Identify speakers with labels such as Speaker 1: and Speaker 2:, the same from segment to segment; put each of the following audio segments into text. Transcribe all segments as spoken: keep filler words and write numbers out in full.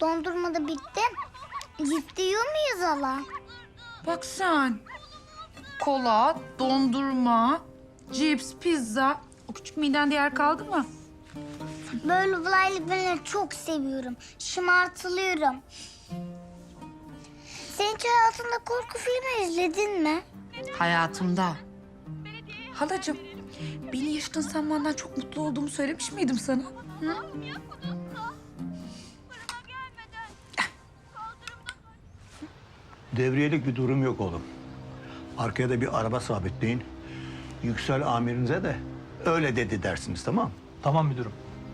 Speaker 1: Dondurma da bitti. Ciddi yiyor muyuz hala?
Speaker 2: Bak sen. Kola, dondurma, cips, pizza. O küçük midende yer kaldı mı?
Speaker 1: Böyle olaylı ben çok seviyorum. Şımartılıyorum. Sen hiç hayatında korku filmi izledin mi?
Speaker 2: Hayatımda. Halacığım, beni yaşadığın sanmandan çok mutlu olduğumu söylemiş miydim sana? Hı?
Speaker 3: Devriyelik bir durum yok oğlum. Arkaya da bir araba sabitleyin. Yüksel amirinize de öyle dedi dersiniz, tamam mı?
Speaker 4: Tamam müdürüm.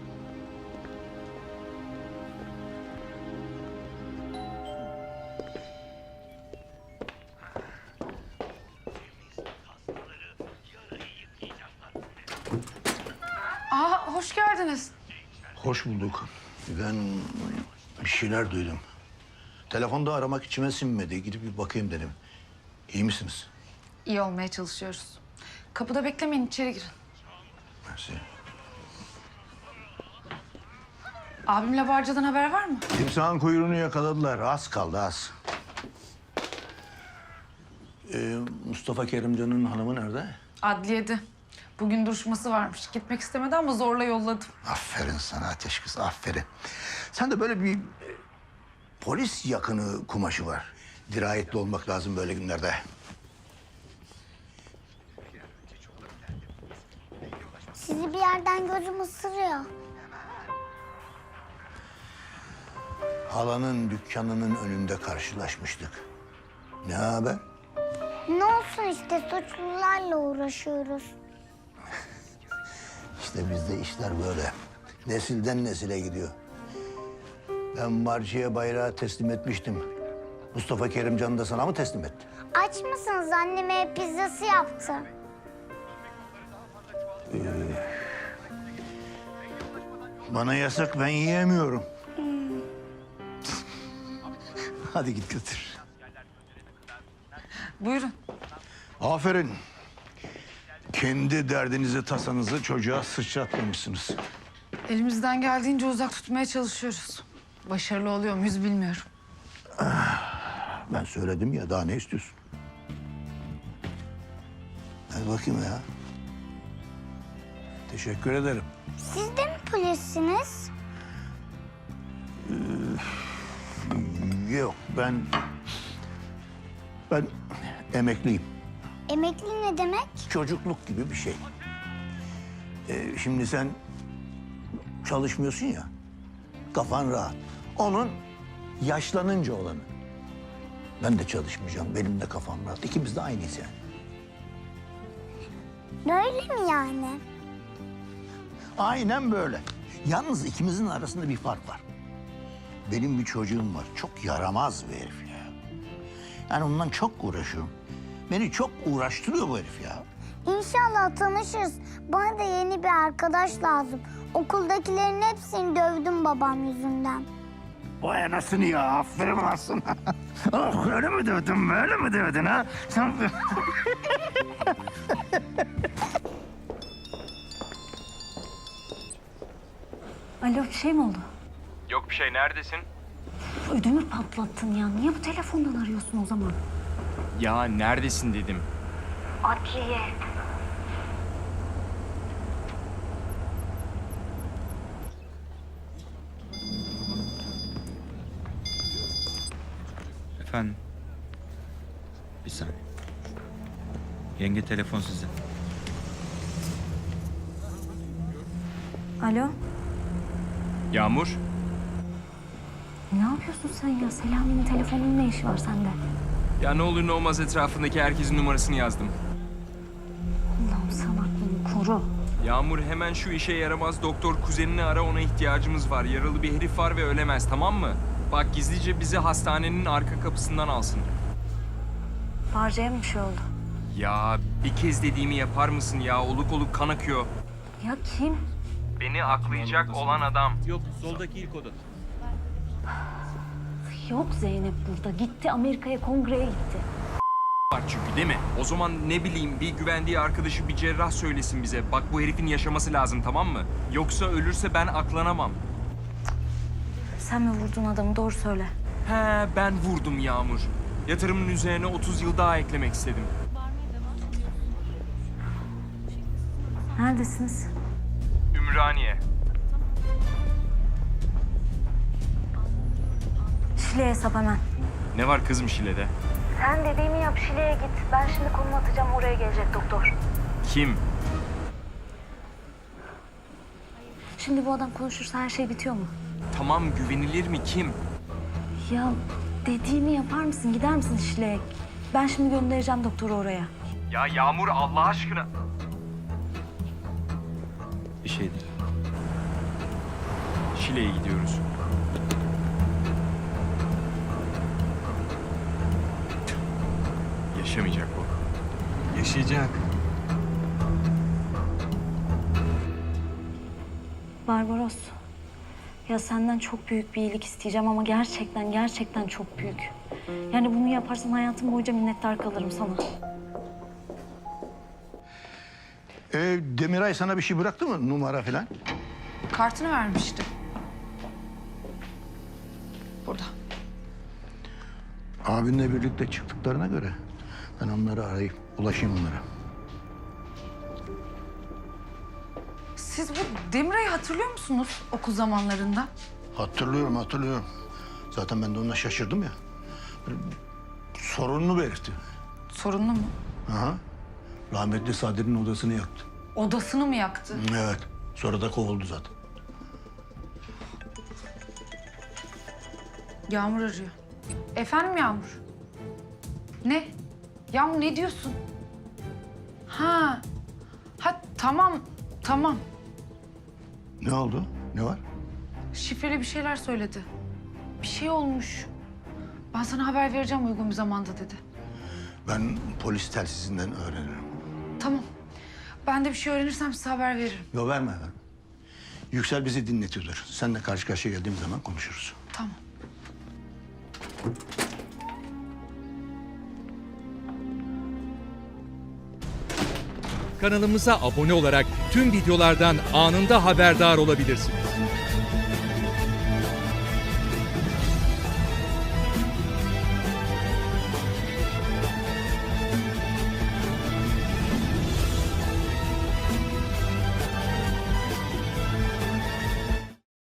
Speaker 2: Aa, hoş geldiniz.
Speaker 3: Hoş bulduk. Ben bir şeyler duydum. Telefonda aramak içime sinmedi. Gidip bir bakayım dedim. İyi misiniz?
Speaker 2: İyi olmaya çalışıyoruz. Kapıda beklemeyin, içeri girin.
Speaker 3: Mersi.
Speaker 2: Abimle Barca'dan haber var mı?
Speaker 3: Timsahın kuyruğunu yakaladılar. Az kaldı, az. Ee, Mustafa Kerimcan'ın hanımı nerede?
Speaker 2: Adliyede. Bugün duruşması varmış. Gitmek istemedi ama zorla yolladım.
Speaker 3: Aferin sana ateş kız, aferin. Sen de böyle bir e, polis yakını kumaşı var. Dirayetli olmak lazım böyle günlerde.
Speaker 1: Sizi bir yerden gözüm ısırıyor.
Speaker 3: Halanın dükkanının önünde karşılaşmıştık. Ne haber?
Speaker 1: Ne olsun işte suçlularla uğraşıyoruz.
Speaker 3: İşte bizde işler böyle. Nesilden nesile gidiyor. Ben Marci'ye bayrağı teslim etmiştim. Mustafa Kerimcan da sana mı teslim etti?
Speaker 1: Aç mısınız? Anneme pizzası yaptı.
Speaker 3: Bana yasak, ben yiyemiyorum. Hadi git götür.
Speaker 2: Buyurun.
Speaker 3: Aferin. Kendi derdinizi, tasanızı çocuğa sıçratmamışsınız.
Speaker 2: Elimizden geldiğince uzak tutmaya çalışıyoruz. Başarılı oluyor muyuz bilmiyorum.
Speaker 3: Ben söyledim ya, daha ne istiyorsun? Hadi bakayım ya. Teşekkür ederim.
Speaker 1: Siz de mi polissiniz?
Speaker 3: Yok, ben... Ben emekliyim.
Speaker 1: Emekli ne demek?
Speaker 3: Çocukluk gibi bir şey. Ee, şimdi sen çalışmıyorsun ya, kafan rahat. Onun yaşlanınca olanı. Ben de çalışmayacağım, benim de kafam rahat. İkimiz de aynıyız yani.
Speaker 1: Böyle mi yani?
Speaker 3: Aynen böyle. Yalnız ikimizin arasında bir fark var. Benim bir çocuğum var, çok yaramaz bir herif ya. Yani ondan çok uğraşıyorum. Beni çok uğraştırıyor bu herif ya.
Speaker 1: İnşallah tanışırız. Bana da yeni bir arkadaş lazım. Okuldakilerin hepsini dövdüm babam yüzünden.
Speaker 3: Vay anasını ya, aferin olsun. Oh, öyle mi dövdün, böyle mi dövdün ha? Sen...
Speaker 5: Alo, bir şey mi oldu?
Speaker 6: Yok bir şey, neredesin?
Speaker 5: Ödümü patlattın ya. Niye bu telefondan arıyorsun o zaman?
Speaker 6: Ya neredesin dedim.
Speaker 5: Adliye.
Speaker 7: Efendim? Bir saniye. Yenge telefon size.
Speaker 5: Alo,
Speaker 6: Yağmur,
Speaker 5: ne yapıyorsun sen ya? Selami'nin telefonunun ne işi var sende?
Speaker 6: ya ne olur ne olmaz etrafındaki herkesin numarasını yazdım.
Speaker 5: Allah'ım sen aklını koru.
Speaker 6: Yağmur hemen şu işe yaramaz doktor kuzenini ara, ona ihtiyacımız var. Yaralı bir herif var ve ölemez, tamam mı? Bak gizlice bizi hastanenin arka kapısından alsın.
Speaker 5: Barca'ya mı bir şey oldu?
Speaker 6: Ya bir kez dediğimi yapar mısın ya? Oluk oluk kan akıyor.
Speaker 5: Ya kim?
Speaker 6: Beni aklayacak olan adam.
Speaker 7: Yok, soldaki ilk oda.
Speaker 5: Yok Zeynep burada. Gitti Amerika'ya, kongreye gitti.
Speaker 6: Var çünkü değil mi? O zaman ne bileyim bir güvendiği arkadaşı, bir cerrah söylesin bize. Bak bu herifin yaşaması lazım, tamam mı? Yoksa ölürse ben aklanamam.
Speaker 5: sen mi vurdun adamı? Doğru söyle.
Speaker 6: He, ben vurdum Yağmur. Yatırımın üzerine otuz yıl daha eklemek istedim.
Speaker 5: Neredesiniz?
Speaker 6: Ümraniye.
Speaker 5: Şile'ye hesap hemen.
Speaker 6: Ne var kızım Şile'de?
Speaker 5: Sen dediğimi yap, Şile'ye git. Ben şimdi konumu atacağım, oraya gelecek doktor.
Speaker 6: Kim?
Speaker 5: Şimdi bu adam konuşursa her şey bitiyor mu?
Speaker 6: Tamam, güvenilir mi kim?
Speaker 5: Ya dediğimi yapar mısın? Gider misin Şile'ye? Ben şimdi göndereceğim doktoru oraya.
Speaker 6: Ya Yağmur Allah aşkına.
Speaker 7: Bir şey değil.
Speaker 6: Şile'ye gidiyoruz. Yaşamayacak bu. Yaşayacak.
Speaker 5: Barbaros. Ya senden çok büyük bir iyilik isteyeceğim ama gerçekten gerçekten çok büyük. Yani bunu yaparsan hayatım boyunca minnettar kalırım sana.
Speaker 3: Ee, Demiray sana bir şey bıraktı mı? Numara falan?
Speaker 2: Kartını vermişti. Burada.
Speaker 3: Abinle birlikte çıktıklarına göre ben onları arayıp ulaşayım onlara.
Speaker 2: Siz bu Demiray'ı hatırlıyor musunuz okul zamanlarında?
Speaker 3: Hatırlıyorum, hatırlıyorum. Zaten ben de ona şaşırdım ya. Sorununu belirtti.
Speaker 2: Sorunlu mu?
Speaker 3: Aha. Rahmetli Sadri'nin odasını yaktı.
Speaker 2: Odasını mı yaktı?
Speaker 3: Evet. Sonra da kovuldu zaten.
Speaker 2: Yağmur arıyor. Efendim Yağmur? Ne? Yağmur ne diyorsun? Ha. Ha tamam, tamam.
Speaker 3: Ne oldu? Ne var?
Speaker 2: Şifreli bir şeyler söyledi. Bir şey olmuş. Ben sana haber vereceğim uygun bir zamanda dedi.
Speaker 3: Ben polis telsizinden öğrenirim.
Speaker 2: Tamam. Ben de bir şey öğrenirsem size haber veririm.
Speaker 3: Yo verme ver. Yüksel bizi dinletiyordur. Seninle karşı karşıya geldiğim zaman konuşuruz.
Speaker 2: Tamam.
Speaker 4: Kanalımıza abone olarak tüm videolardan anında haberdar olabilirsiniz.